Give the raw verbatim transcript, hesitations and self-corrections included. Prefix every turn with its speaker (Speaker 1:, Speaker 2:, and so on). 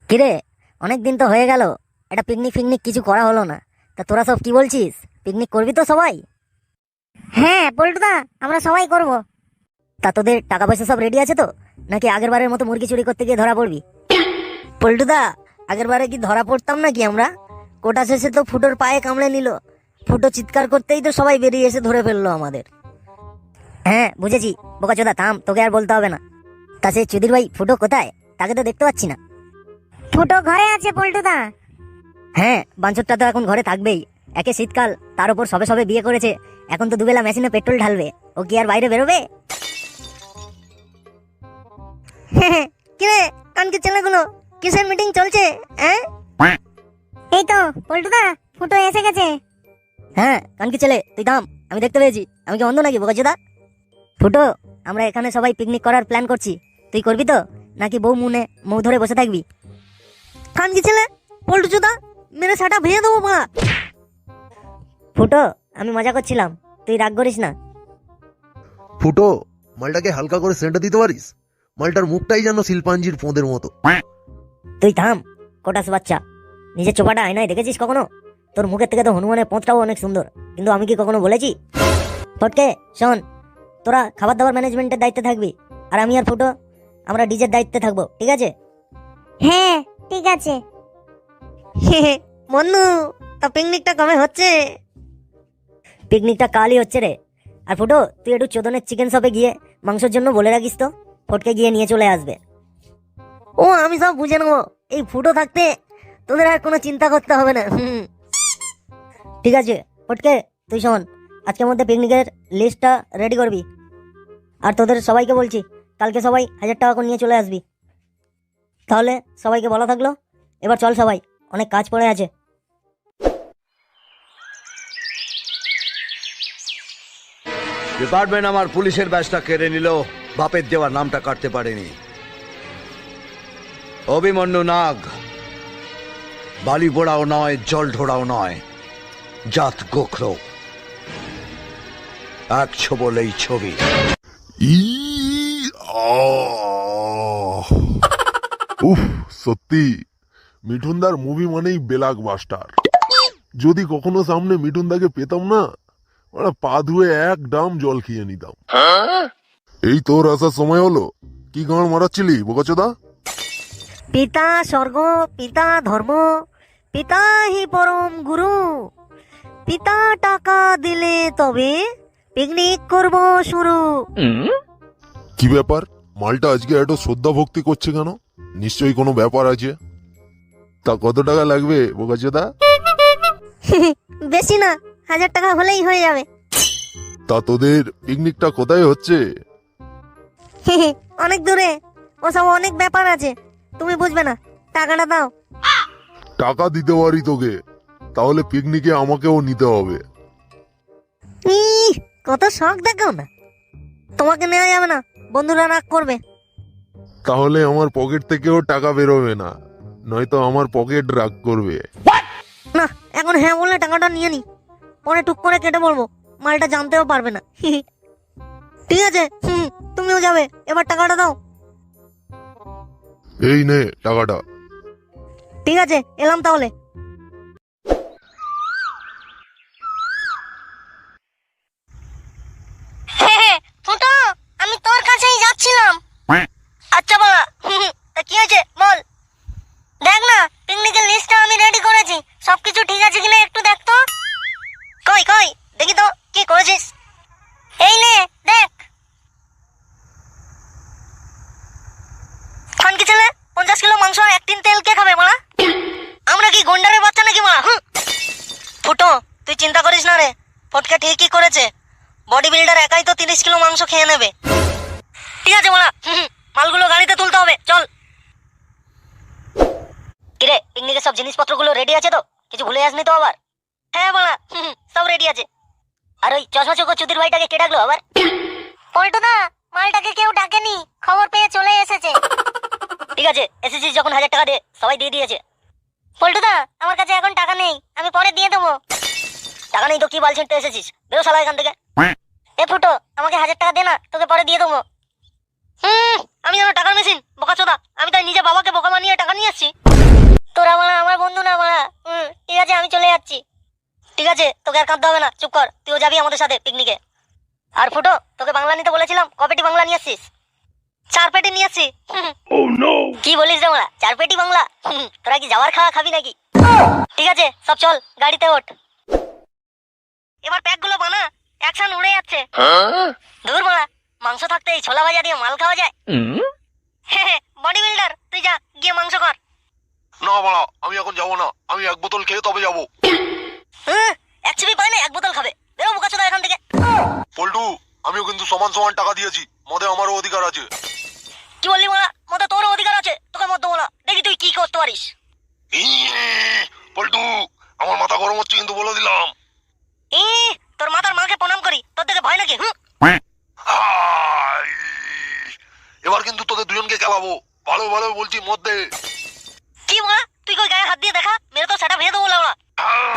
Speaker 1: কিরে, অনেক দিন তো হয়ে গেল, একটা পিকনিক ফিকনিক কিছু করা হলো না। তা তোরা সব কি বলছিস, পিকনিক করবি তো সবাই?
Speaker 2: হ্যাঁ পল্টুদা, আমরা সবাই করব।
Speaker 1: তা তোদের টাকা পয়সা সব রেডি আছে তো, নাকি আগের বারের মতো মুরগি চুরি করতে গিয়ে ধরা পড়বি? পল্টুদা, আগের বারে কি ধরা পড়তাম নাকি আমরা? কোটা শেষে তো ফুটোর পায়ে কামড়ে নিল। ফুটো চিৎকার করতেই তো সবাই বেরিয়ে এসে ধরে ফেললো আমাদের। হ্যাঁ বুঝেছি, বোকাচোদা থাম, তোকে আর বলতে হবে না। তা সেই চুদির ভাই ফুটো কোথায়? তাকে তো দেখতে পাচ্ছি না।
Speaker 2: ফুটো ঘরে আছে পল্টুদা।
Speaker 1: হ্যাঁ, বাঞ্চরটা তো এখন ঘরে থাকবেই। একে শীতকাল, তার উপর সবে সবে বিয়ে করেছে। এখন তো দুবেলা মেশিনে পেট্রোল ঢালবে, ও কি আর বাইরে বেরোবে? কিরে কানকি ছেলেগুলো, কিসের মিটিং চলছে? হ্যাঁ
Speaker 2: এই তো পল্টুদা, ফুটো এসে গেছে।
Speaker 1: হ্যাঁ কানকি ছেলে, তুই থাম, আমি দেখতে পেয়েছি। আমি কি অন্ধ নাকি বোকাচোদা? ফুটো, আমরা এখানে সবাই পিকনিক করার প্ল্যান করছি। তুই করবি তো, নাকি বউ মুনে মৌ ধরে বসে থাকবি? কানকি ছেলে, পল্টুচোদা, মেরে সাটা ভেঙে দেবো মা। ফুটো, আমি মজা করছিলাম, তুই রাগ করিস না।
Speaker 3: ফুটো, মালটাকে হালকা করে সেন্টা দিতে পারিস? মালটার মুখটাই যেন শিল্পাঞ্জির পোঁদের মতো।
Speaker 1: তুই থাম, কোটাস বাচ্চা। নিজের চোপাটা আয়নায় দেখেছিস কখনো? তোর মুখের থেকে তো হনুমানের পোঁতটাও অনেক সুন্দর, কিন্তু আমি কি কখনো বলেছি? ফটকে শোন, তোরা খাবার দাবার ম্যানেজমেন্টের দায়িত্বে থাকবি, আর আমি আর ফুটো আমরা ডিজের দায়িত্বে থাকবো, ঠিক আছে?
Speaker 2: হ্যাঁ ঠিক আছে।
Speaker 1: মন্নু, তা পিকনিকটা কবে হচ্ছে? পিকনিকটা কালই হচ্ছে রে। আর ফুটো, তুই একটু চোদনের চিকেন শপে গিয়ে মাংসের জন্য বলে রাখিস তো, ফটকে গিয়ে নিয়ে চলে আসবে। ও আমি সব বুঝে নেবো, এই ফুটো থাকতে তোদের আর কোনো চিন্তা করতে হবে না। হুম, ঠিক আছে ফটকে, তুই শোন, আজকের মধ্যে পিকনিকের লিস্টটা রেডি করবি। আর তোদের সবাইকে বলছি, কালকে সবাই হাজার টাকা করে নিয়ে চলে আসবি। তাহলে সবাইকে বলা থাকলো, এবার চল সবাই, অনেক কাজ পড়ে আছে।
Speaker 4: ডিপার্টমেন্ট আমার পুলিশের ব্যাচটা কেড়ে নিল, বাপের দেওয়ার নামটা কাটতে পারেনি। অভিমন্যু নাগ বালি পোড়াও নয়, জল ঢোড়াও নয়, জাত গোখরো, এক ছবলেই ছবি।
Speaker 5: ই আহ! উফ, সত্যি মিঠুনদার মুভি মানেই বেলাক মাস্টার। যদি কখনো সামনে মিঠুনদাকে পেতাম না, ওরা পা ধুয়ে এক ডাম জল খেয়ে নিতাম। এই তোর আসার সময় হলো, কি গাঁড় মারাচ্ছিলি বোকাচোদা?
Speaker 1: পিতা স্বর্গ, পিতা ধর্ম, পিতা হি পরম গুরু। পিতা টাকা দিলে তবে পিকনিক করব শুরু।
Speaker 5: কি ব্যাপার, মালটা আজকে এত শ্রদ্ধা ভক্তি করছে কেন? নিশ্চয়ই কোনো ব্যাপার আছে। তা কত টাকা লাগবে বোকাচোদা?
Speaker 1: বেশি না, হাজার টাকা হলেই হয়ে যাবে।
Speaker 5: তা তোদের পিকনিকটা কোথায় হচ্ছে?
Speaker 1: অনেক দূরে, ওসব অনেক ব্যাপার আছে, তুমি বুঝবে না, টাকাটা দাও।
Speaker 5: টাকা দিতে পারি তোকে, তাহলে পিকনিকে আমাকেও নিতে হবে।
Speaker 1: ইহ, কত শখ দেখাও না। তোমাকে নেওয়া যাবে না, বন্ধুরা রাগ করবে।
Speaker 5: তাহলে আমার পকেট থেকেও টাকা বেরোবে না, নয়তো আমার পকেট রাগ করবে।
Speaker 1: না, এখন হ্যাঁ বললে টাকাটা নিয়ে নি, পরে টুক করে কেটে বলবো, মালটা জানতেও পারবে না। ঠিক আছে, হুম, তুমিও যাবে, এবার টাকাটা দাও।
Speaker 5: এই নে টাকাটা।
Speaker 1: ঠিক আছে, এলাম তাহলে।
Speaker 2: ফুটো, আমি তোর কাছেই যাচ্ছিলাম।
Speaker 1: আচ্ছা বাবা, তা কি হয়েছে বল।
Speaker 2: দেখ না, পিকনিকের লিস্টটা আমি রেডি করেছি, সবকিছু ঠিক আছে কিনা একটু দেখ তো।
Speaker 1: কই কই দেখি তো কি করেছিস।
Speaker 2: এই নে দেখ।
Speaker 1: খানকি ছেলে, পঞ্চাশ কিলো মাংস আর এক টিন তেল কে খাবে মারা? আমরা কি গন্ডারের বাচ্চা নাকি মারা? ফুটো, তুই চিন্তা করিস না রে, ফটকে ঠিকই করেছে। বডি বিল্ডার একাই তো তিরিশ কিলো মাংস খেয়ে নেবে। ঠিক আছে মারা, মালগুলো গাড়িতে তুলতে হবে, চল। কিরে, পিকনিকের সব জিনিসপত্রগুলো রেডি আছে তো? কিছু ভুলে আসনি তো আবার? হ্যাঁ মারা, সব রেডি আছে। আর ওই চশমা চোখ চুদির ভাইটাকে কে ডাকলো আবার?
Speaker 2: পল্টুদা, মালটাকে কেউ ডাকেনি, খবর পেয়ে চলে এসেছে।
Speaker 1: ঠিক আছে, এসেছিস যখন হাজার টাকা দে, সবাই দিয়ে দিয়েছে।
Speaker 2: পল্টুদা, আমার কাছে এখন টাকা নেই, আমি পরে দিয়ে দেবো।
Speaker 1: টাকা নেই তো কি বাল ছিঁড়তে এসেছিস? বেরো শালা এখান থেকে।
Speaker 2: এ ফুটো, আমাকে হাজার টাকা দে না, তোকে পরে দিয়ে দেবো।
Speaker 1: হুম, আমি যেন টাকার মেশিন বোকাচোদা? আমি তাই নিজে বাবাকে বোকা বানিয়ে টাকা নিয়ে আসছি।
Speaker 2: তোরা মারা আমার বন্ধু না মারা। হুম, ঠিক আছে আমি চলে যাচ্ছি। ঠিক আছে, তোকে আর কাঁদতে হবে না, চুপ কর, তুইও যাবি আমাদের সাথে পিকনিকে। আর ফুটো, তোকে বাংলা নিতে বলেছিলাম, ক পেটি বাংলা নিয়ে আসছিস? চার পেটি নিয়ে আসছি। কি বলিস রে মারা, চার পেটি বাংলা? হুম, তোরা কি যাওয়ার খাওয়া খাবি নাকি? ঠিক আছে, সব চল গাড়িতে ওঠ। এবার প্যাক গুলো বানা, অ্যাকশন উড়ে যাচ্ছে। দূর মারা, মাংস থাকতে এই ছোলা ভাজা দিয়ে মাল খাওয়া যায়? বডি বিল্ডার, তুই যা গিয়ে মাংস কর।
Speaker 3: না বাড়া, আমি এখন যাবো না, আমি এক বোতল খেয়ে তবে যাবো।
Speaker 2: হ্যাঁ, এক চিপি পায় না এক বোতল খাবে, বেরো বোকাচোদা এখান থেকে।
Speaker 3: পল্টু, আমিও কিন্তু সমান সমান টাকা দিয়েছি, মদে আমারও অধিকার আছে।
Speaker 2: কি বললি মারা, মতো তোরও অধিকার আছে, তোকে মত দেবো না, দেখি তুই কি করতে পারিস।
Speaker 3: ইয়ে, পল্টু, আমার মাথা গরম হচ্ছে কিন্তু বলে দিলাম।
Speaker 2: ই, তোর মাতার মাকে প্রণাম করি, তোর থেকে ভয় নাকি? হুম,
Speaker 3: হাই! এবার কিন্তু তোদের দুজনকে খেলাবো, ভালো ভালো বলছি, মদ দে।
Speaker 2: কি মারা, তুই কই গায়ে হাত দিয়ে দেখা, মেরে তো সেটা ভেঙে দেবো লাউড়া।
Speaker 3: আহ!